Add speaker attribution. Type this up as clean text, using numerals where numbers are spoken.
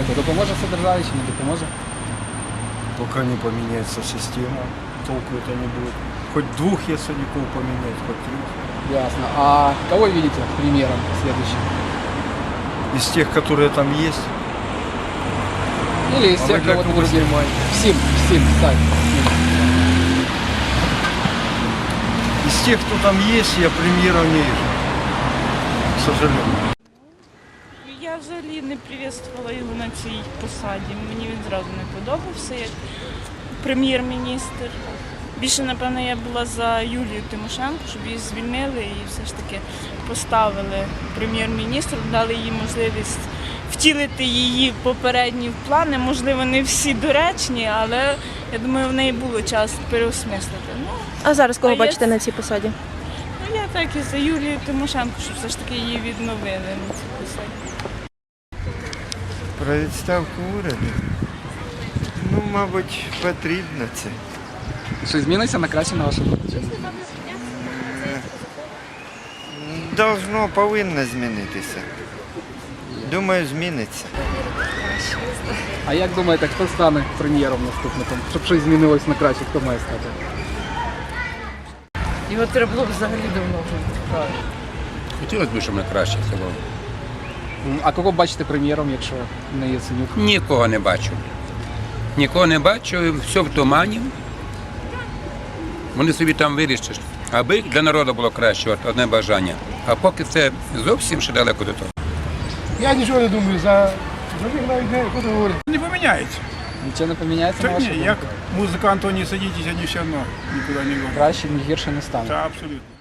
Speaker 1: думаєте, допоможе це державі чи не допоможе?
Speaker 2: Пока не поменяется система, толку это не будет. Хоть двух ясовиков поменять, хоть трех.
Speaker 1: Ясно. А кого видите примером следующим?
Speaker 2: Из тех, которые там есть.
Speaker 1: Или из
Speaker 2: А
Speaker 1: тех,
Speaker 2: вы для
Speaker 1: кого-то
Speaker 2: кого
Speaker 1: других?
Speaker 2: снимаете?
Speaker 1: Всем, ставь.
Speaker 2: Из тех, кто там есть, я премьеров не вижу. К сожалению.
Speaker 3: Я взагалі не привітствувала його на цій посаді. Мені він зразу не подобався як прем'єр-міністр. Більше, напевно, я була за Юлію Тимошенко, щоб її звільнили і все ж таки поставили прем'єр-міністром, дали їй можливість втілити її попередні плани. Можливо, не всі доречні, але я думаю, в неї було час переосмислити.
Speaker 4: А зараз кого
Speaker 3: А
Speaker 4: бачите
Speaker 3: є-
Speaker 4: на цій посаді?
Speaker 3: Ну, я так і за Юлію Тимошенко, щоб все ж таки її відновили на цій посаді.
Speaker 5: Про відставку уряду? Ну, мабуть, потрібно це.
Speaker 1: Що зміниться на краще на вашу думку?
Speaker 5: Повинно змінитися. Думаю, зміниться.
Speaker 1: А як думаєте, хто стане прем'єром наступником? Щоб щось змінилось на краще, хто має стати?
Speaker 6: Його треба було б взагалі давно вже.
Speaker 7: Хотілося б, щоб на краще це було.
Speaker 1: А кого бачите прем'єром, якщо не Яценюк?
Speaker 7: Нікого не бачу. Нікого не бачу, все в тумані. Вони собі там вирішать, аби для народу було краще, от одне бажання. А поки це зовсім ще далеко до того.
Speaker 8: Я нічого не думаю, за них навіть не буду говорити.
Speaker 9: Не поміняється.
Speaker 1: Нічого не поміняється на
Speaker 9: Так
Speaker 1: вашу
Speaker 9: ні,
Speaker 1: думку?
Speaker 9: як музиканту не садитесь, вони все одно нікуди не йдуть.
Speaker 1: Краще, ні гірше не стане.
Speaker 9: Та абсолютно.